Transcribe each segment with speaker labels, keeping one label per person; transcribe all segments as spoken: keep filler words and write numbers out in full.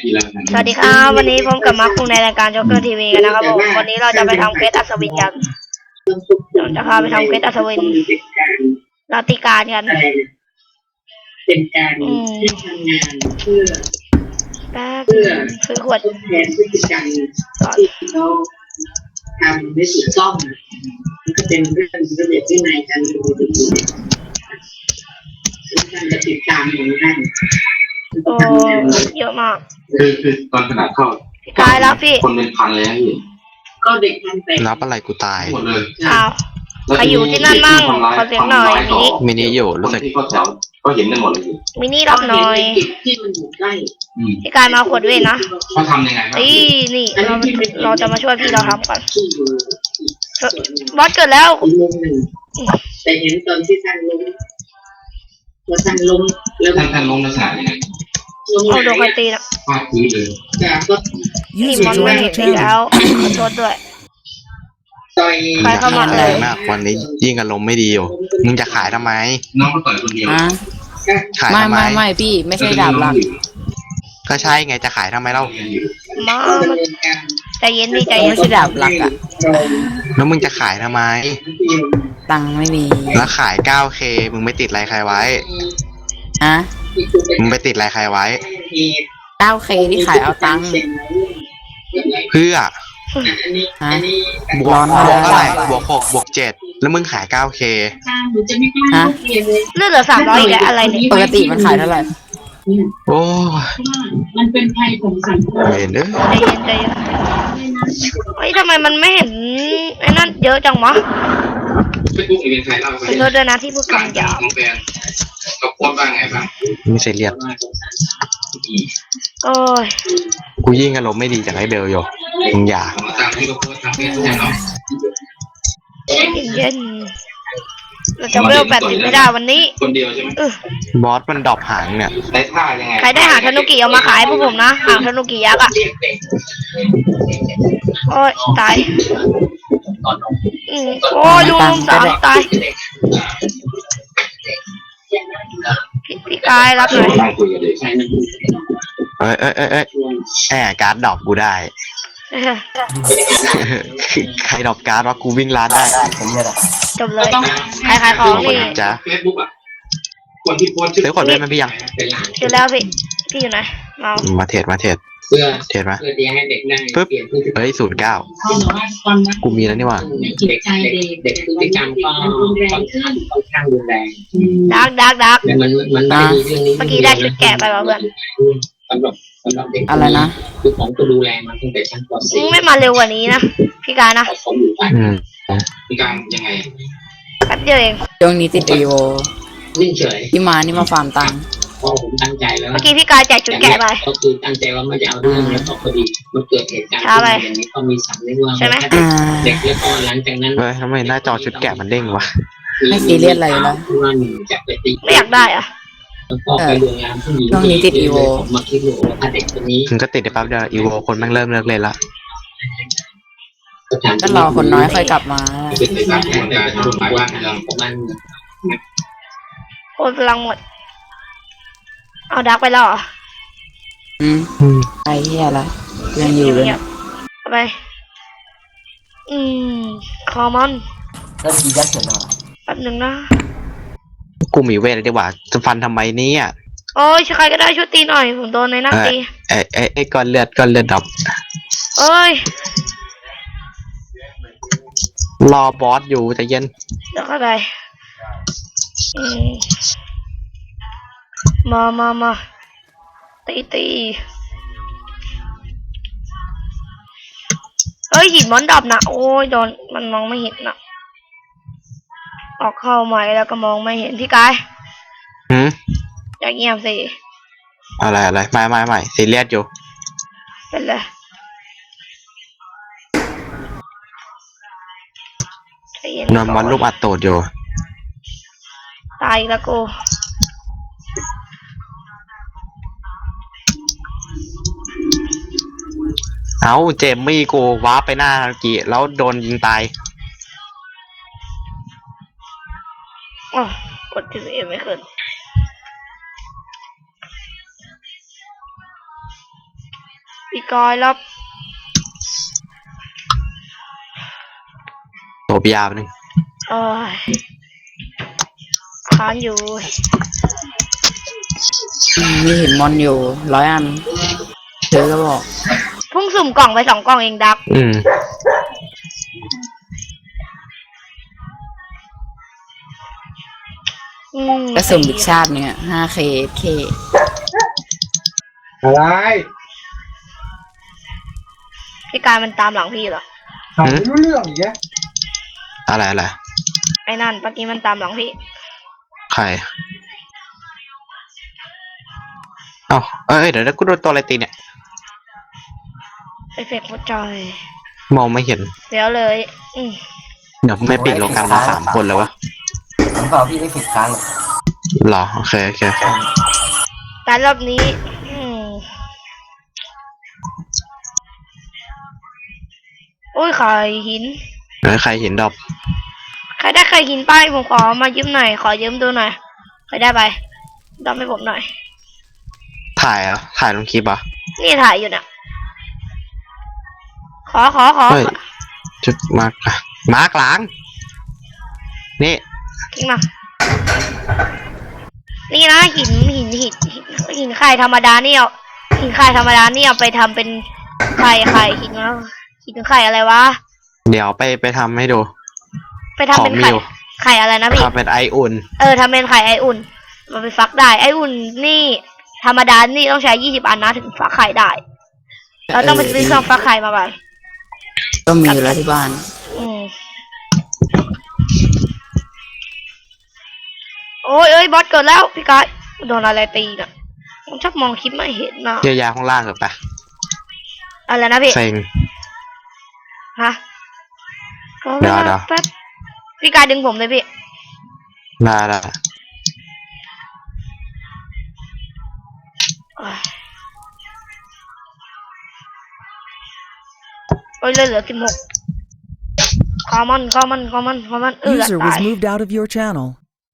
Speaker 1: สวัสดีครับวันนี้ผมกับมาร์คคุงในรายการจ็อกเกอร์ทีวีกันนะครับผมวันนี้เราจะไปทำเควสอัศวินกันเราจะพาไปทำเควสอัศวินลาติการกัน
Speaker 2: เป็นการที่ทำงานเพื่อ
Speaker 1: แป๊บซื้อขวด
Speaker 2: ทดแทนพฤติกรรมที่เขาทำไม่ถูกต้องมันก็เป็นเรื่องระเบียบวินัยการดูดีท่านจะติดตามอย่างนั้น
Speaker 1: โอ้เยอะมาก
Speaker 3: คือคือตอนขนาดเข้า
Speaker 1: พี่กายรับพี่
Speaker 3: คนเป็นพันเลยนะพี่
Speaker 2: ก็เด็กมันไป
Speaker 4: รับอะไรกูตาย
Speaker 3: หมดเลย
Speaker 1: อ้าวใครอยู่ที่นั่นมั่งขอเสียงหน่อยมินิ
Speaker 4: มินิอยู่รู้สึก
Speaker 3: ก็เห็นกันหมดเลย
Speaker 1: มินิรับหน่อย
Speaker 2: ที่มันอยู่ใกล้
Speaker 1: พี่กายมาขวดเวทนะ
Speaker 3: เขาทำยังไงครับ
Speaker 1: นี่นี่เราเราจะมาช่วยพี่เราทำก่อนบอสเกิดแล้ว
Speaker 2: แต่เห็นตอนที่ท่านล้มพอท่านล้ม
Speaker 3: แล้วท่านท่านล้มลักษณะยังไง
Speaker 1: เอาโดนใครตีนะ
Speaker 3: ฟาดพื้นเลย
Speaker 1: นี่มันไม่เห็นพี่แล้วขอโทษด้วย
Speaker 2: ใคร
Speaker 1: เข้ามาเลย
Speaker 4: มากวันนี้ยิ่งอารมณ์ไม่ดีอยู่มึงจะขายทำไม
Speaker 3: น้องก็ต่อยคนเดียว
Speaker 4: ขาย
Speaker 5: ไม่
Speaker 4: ทำไม
Speaker 5: ไม่ไม่พี่ไม่ใช่ดาบหลัก
Speaker 4: ก็ใช่ไงจะขายทำไมเล่า
Speaker 1: มาใจเย็นดิใจเย็น
Speaker 5: ไม่ใช่ดาบหลักอ่ะ
Speaker 4: แล้วมึงจะขายทำไม
Speaker 5: ตังค์ไม่มี
Speaker 4: แล้วขาย เก้าเค มึงไม่ติดอะไรใครไว้
Speaker 5: ฮะ
Speaker 4: มึงไปติดอะไรใครไว้
Speaker 5: เก้าเค ที่ขายเอาตังค์
Speaker 4: เพื่อ
Speaker 5: ฮะ
Speaker 4: บวกบวกเท่าไหร่บวกหกบวกเจ็ดแล้วมึงขาย เก้าเค
Speaker 5: ฮะ
Speaker 1: เลือดเหลือสามร้อยอีกแล้วอะไรเนี่ย
Speaker 5: ปกติมันขายเท่าไหร่
Speaker 4: โอ้
Speaker 2: มันเป็นภัยของสังคม
Speaker 4: เห็นเด้อ
Speaker 1: ใจเย็นใจเย็นเฮ้ยทำไมมันไม่เห็นไอ้นั่นเยอะจังวะ
Speaker 3: เฟซบุ๊กอีเวนต์ไทยเล่า
Speaker 1: ไปโทษด้วยนะที่พูดคำหยาบ
Speaker 3: เขาโพสต์ว่าไงบ้าง
Speaker 4: ไม่เสียเรียบ
Speaker 1: โอ้ย
Speaker 4: กูยิ่งอารมณ์ไม่ดีจากไอ้เบลอยู่มึงอย่า
Speaker 1: เย็นเราจะเวลแปดสิบไม่ได้วันนี้
Speaker 3: คนเดียวใช่ไหม
Speaker 4: บอสมันดรอปหางเนี่ย
Speaker 3: ได้ท่ายังไง
Speaker 1: ใครได้หางธนุกิเอามาขายพวกผมนะหางธนุกิยักษ์อ่ะโอ้ยตายอืมโอ้ยลุงสามตายพี่กายรับหน่อย
Speaker 4: เอ้ยเอ้ยเอ้ยเอ้ยแหมการ์ดดรอปกูได้ใครดรอปการ์ดว่ากูวิ่งร้านได้
Speaker 1: จบเลยใครขายของนี่
Speaker 4: จ้ะ
Speaker 3: เฟซบุ๊กอ่ะคนที่โพสต์
Speaker 4: ซื้อขวดเล่นมันพี่ยัง
Speaker 1: เจอแล้วพี่พี่อยู่ไหนมา
Speaker 4: มาเทรดมาเทรด
Speaker 2: เพื่อ
Speaker 4: เทรดมา
Speaker 2: เพื่อที่ให้เด็กได้
Speaker 4: ปึ๊บเฮ้ยศูนย์เก้ากูมีแล้วนี่ว่า
Speaker 2: เด็กเด็กพฤติกรรมก็ค่อนข้างค่อนข้างรุนแรง
Speaker 1: ดักดักดัก
Speaker 2: มันมันไม่มีเรื่องนี้
Speaker 1: เมื่อกี้ได้ชุดแกะไปว่ะเพื่อน
Speaker 2: สำหรับสำหรับเด็ก
Speaker 5: อะไรนะ
Speaker 2: คือของก็ดูแลมันตั้งแต่ชั้นป .สี่
Speaker 1: ไม่มาเร็วกว่านี้นะพี่กายนะ
Speaker 3: พี่การยังไง
Speaker 1: แป๊บเดียวเอง
Speaker 5: ช่วงนี้ติดอีโว
Speaker 2: นิ่งเฉย
Speaker 5: ที่มานี่มาฟาร์มตังค์
Speaker 2: พอผมตั้งใจแล้ว
Speaker 1: เมื่อกี้พี่กายแจกชุดแกะไป
Speaker 2: ก็คือตั้งใจว่าไม่จะเอาเรื่องแล้วพอดีมันเกิดเหตุการณ์อย่างนี้ก็มีสั่งเรื่องว่าเด็กแล้วก็หลังจากนั้น
Speaker 4: เฮ้ยทำไมหน้าจอชุดแกะมันเด้งวะ
Speaker 5: ไม่ซีเรียสอะไรแล้ว
Speaker 1: ไม่อยากได้อ่ะ
Speaker 5: ช่วงนี้ติดอีโว
Speaker 2: มาคิดดูว่าเด็กคนนี้
Speaker 4: ถึงก็ติดได้ปั๊บเดียวอีโวคนแม่งเริ่มเลิกเล่นละ
Speaker 5: ก็รอคนน้อยค่อยกลับมา
Speaker 1: โอนพลังหมดเอาดักไปแล้วเหรอ
Speaker 5: อืมไอ้เหี้ยละยังอยู่เลย
Speaker 1: เอาไปอืมคอมอน
Speaker 5: แล้วดียัดเสร็จแล้ว
Speaker 1: แป๊บหนึ่งนะ
Speaker 4: กูมีเวทเลยดีกว่าจะฟันทำไมเนี่ย
Speaker 1: โอ้ยใครก็ได้ช่วยตีหน่อยผมโดนในหน้าตี
Speaker 4: เอ้เอ้ไอ้ก้อนเลือดก้อนเลือดดับ
Speaker 1: เอ้ย
Speaker 4: รอบอสอยู่ใจเย็น
Speaker 1: เดี๋ยวก็ได้มามามาตีตีเฮ้ยหินมันดับนะโอ้ยโดนมันมองไม่เห็นนะออกเข้าใหม่แล้วก็มองไม่เห็นพี่กาย
Speaker 4: หืม
Speaker 1: อย่าเงียบสิ
Speaker 4: อะไรอะไรไม่ไม่ไม่ซีเรียสอยู่
Speaker 1: เป็นไร
Speaker 4: นอนวันรูปอัดโตดอยู่
Speaker 1: ตายแล้วกู
Speaker 4: เอาเจมมี่กูว้าไปหน้าทันกีแล้วโดนยิงตาย
Speaker 1: อ๋อกดทีเอ็มไม่ขึ้นพี่กอยรับ
Speaker 4: โตบยาวนึง
Speaker 1: โอ้ยค้างอยู่
Speaker 5: อืมมีเห็นมอนอยู่ร้อยอันเธอก็บอก
Speaker 1: เพิ่งสุ่มกล่องไปสองกล่องเองดัก
Speaker 4: อืม
Speaker 1: อืม
Speaker 5: กระสุนบิกชาติเนี่ย ห้าเค เค
Speaker 6: อะไร
Speaker 1: พี่กายมันตามหลังพี่เหรอ
Speaker 6: ถามไม่รู้เรื่องอีกแก
Speaker 4: อะไรอะไร
Speaker 1: ไอ้นั่นเมื่อกี้มันตามหลังพี่
Speaker 4: ใครเอ้าเอ้ยเดี๋ยวนะกูโดนตัวอะไรตีเนี่ย
Speaker 1: ไอเฟกหัวใจ
Speaker 4: มองไม่เห็น
Speaker 1: เดี๋ยวเลย อืม
Speaker 4: เดี๋ยวไม่ปิดโลกันมาสามคนเลยวะ
Speaker 7: ผมเปล่าพี่ได้ผิดครั้ง
Speaker 4: เหรอโอเคโอเค
Speaker 1: แต่รอบนี้ อืมโอ้ยไข่หิน
Speaker 4: เอ้ยใครเห็นดอก
Speaker 1: ใครได้ไข่หินไปผมขอมายืมหน่อย ขอยืมดูหน่อย ใครได้ไปดอมให้ผมหน่อย
Speaker 4: ถ่ายเหรอ่ะถ่ายลงคลิปอ่ะ
Speaker 1: นี่ถ่ายอยู่เนี่ยขอขอขอ
Speaker 4: เฮ้ยจุดมาร์กอะมาร์กหลังนี่
Speaker 1: ทิ้งมา นี่นะหินหินหินหินหินไข่ธรรมดาเนี่ยหินไข่ธรรมดาเนี่ยเอาไปทำเป็นไข่ไข่หินแล้วหินไข่อะไรวะ
Speaker 4: เดี๋ยวไปไปทำให้ดู
Speaker 1: ไปทำเป็น
Speaker 4: ของมิ
Speaker 1: ไข่
Speaker 4: ว
Speaker 1: ไข่อะไรนะพี่
Speaker 4: ทำเป็นไออุ่น
Speaker 1: เออทำเป็นไข่ไออุ่นมันไปฟักได้ไออุ่นนี่ ธรรมดานี่ต้องใช้ยี่สิบอันนะถึงฟักไข่ได้เราต้องไปซื้อเครื่องฟักไข่มาก่อน
Speaker 5: ก็มีอยู่แล้วที่บ้าน
Speaker 1: อืมโอ้ยเอ้ยบอสเกิดแล้วพี่กายโดนอะไรตีน่ะผมชอบมองคลิปไม่เห็นนะ
Speaker 4: เยียวยาข้างล่างเถอะไป
Speaker 1: อะไรนะพี่
Speaker 4: เซ็ง
Speaker 1: ฮะ
Speaker 4: เดี๋ยวเดี๋ยว
Speaker 1: แป๊บพี่กายดึงผมเลยพี่
Speaker 4: ได้ได้
Speaker 1: โอ้ยเหลือเหลือสิบหกคอมอนคอมอนคอมอนคอมอนเออ
Speaker 8: User
Speaker 1: ตา
Speaker 8: was
Speaker 1: ย
Speaker 8: moved out of your channel.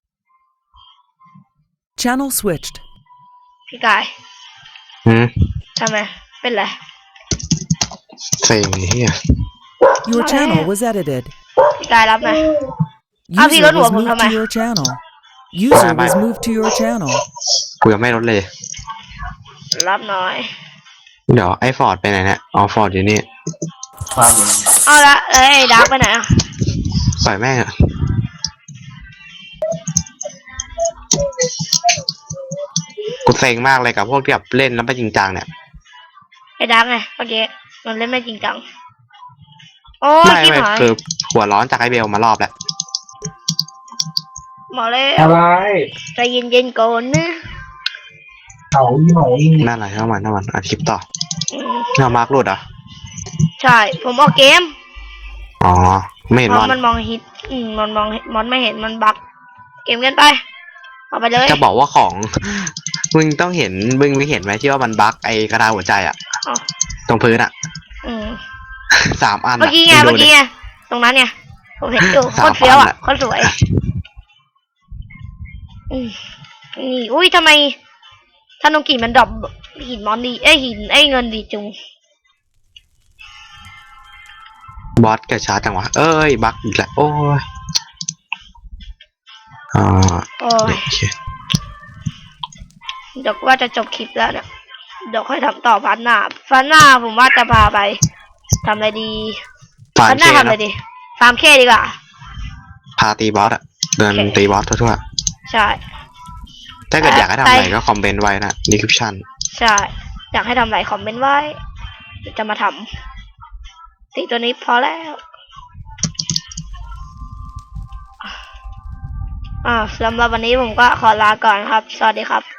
Speaker 8: Channel switched.
Speaker 1: พี่กาย
Speaker 4: หืม
Speaker 1: ทำไมเป็นไร
Speaker 4: เซ็งเฮีย
Speaker 8: Your
Speaker 1: Okay.
Speaker 8: channel was edited.
Speaker 1: พี่กายรับไหม Ah,
Speaker 8: User
Speaker 1: พี่ลดหัว
Speaker 8: was
Speaker 1: ผม
Speaker 8: moved
Speaker 1: ทำไม
Speaker 8: to your channel. User
Speaker 4: Bye,
Speaker 8: was
Speaker 4: bye.
Speaker 8: moved to your channel.
Speaker 4: กูยังไม่ลดเลย
Speaker 1: รับหน่อย
Speaker 4: เดี๋ยวไอ้ฟอร์ดไปไหนเนี่ยอ๋อฟอร์ดอยู่นี่
Speaker 7: ความอยู่
Speaker 1: เอาละเอ้ยดักไปไหนอ่ะ
Speaker 4: ปล่อยแม่งอะกูเซ็งมากเลยกับพวกที่แบบเล่นแล้วไม่จริงจังเนี่ย
Speaker 1: ไอ้ดักไงเมื่อกี้มันเล่นไม่จริงจังโอ้ย
Speaker 4: ไม่
Speaker 1: กิ๊บ
Speaker 4: ไม่
Speaker 1: หาย
Speaker 4: คือหัวร้อนจากไอเบลมารอบแล้ว
Speaker 1: หมอเลย
Speaker 6: อะไร
Speaker 1: ใจเย็นๆก่อนนะ
Speaker 6: เขาอีหมออี
Speaker 4: นั่นแหละทั้งวันทั้งวันอัดคลิปต่อ
Speaker 1: อืม
Speaker 4: เรามาร์กหลุดเหรอ่ะ
Speaker 1: ใช่ผมออกเกม
Speaker 4: อ๋อไม่เห็น
Speaker 1: เพ
Speaker 4: มอ
Speaker 1: ราะ
Speaker 4: น
Speaker 1: มันมองฮิตอืมมันมองมอนไม่เห็นมันบักเกมกันไปเอาไปเลย
Speaker 4: จะบอกว่าของ มึงต้องเห็นมึงไม่เห็นไหมที่ว่ามันบั๊กไอกระดาษหัวใจอ่ะ
Speaker 1: อ๋อ
Speaker 4: ตรงพื้นอ่ะ
Speaker 1: อืม
Speaker 4: สามอัน
Speaker 1: เมื่อกี้ไง
Speaker 4: ะ
Speaker 1: เมื่อ
Speaker 4: ดูดิ
Speaker 1: กี้ไงตรงนั้นเนี่ยผมเห็นอยู่โค
Speaker 4: สาม
Speaker 1: ตรเฟี้ยวอ่ะ
Speaker 4: อันอะ
Speaker 1: โคตรสวยอืมนี่อุ้ยทำไมธนงกีมันดรอปหินมอนดีเอ้ยหินไอ้เงินดีจุง
Speaker 4: บอสกระชาจังวะเอ้ยบั๊กอีกแล้วโอ้ยอ่า
Speaker 1: โอ้ย
Speaker 4: โอเค
Speaker 1: เดี๋ยวว่าจะจบคลิปแล้วเนี่ยเดี๋ยวค่อยทำต่อพันหน้าพันหน้าผมว่าจะพาไปทำอะไรดี
Speaker 4: ฟาร์
Speaker 1: พั
Speaker 4: ม
Speaker 1: นห
Speaker 4: เค
Speaker 1: น้าทำอะไร
Speaker 4: นะ
Speaker 1: ดีฟาร์มเคดีกว่า
Speaker 4: พาตีบอสอ่ะเดิน
Speaker 1: โอเค
Speaker 4: ตีบอสทั่ว
Speaker 1: ใช่
Speaker 4: ๆถ้าเกิดอยากให้ทำอะไรก็คอมเมนต์ไว้นะดีคริปชั่น
Speaker 1: ใช่ อยากให้ทำอะไรคอมเมนต์ไว้เดี๋ยวจะมาทำตีตัวนี้พอแล้ว อ่าสำหรับวันนี้ผมก็ขอลาก่อนครับ สวัสดีครับ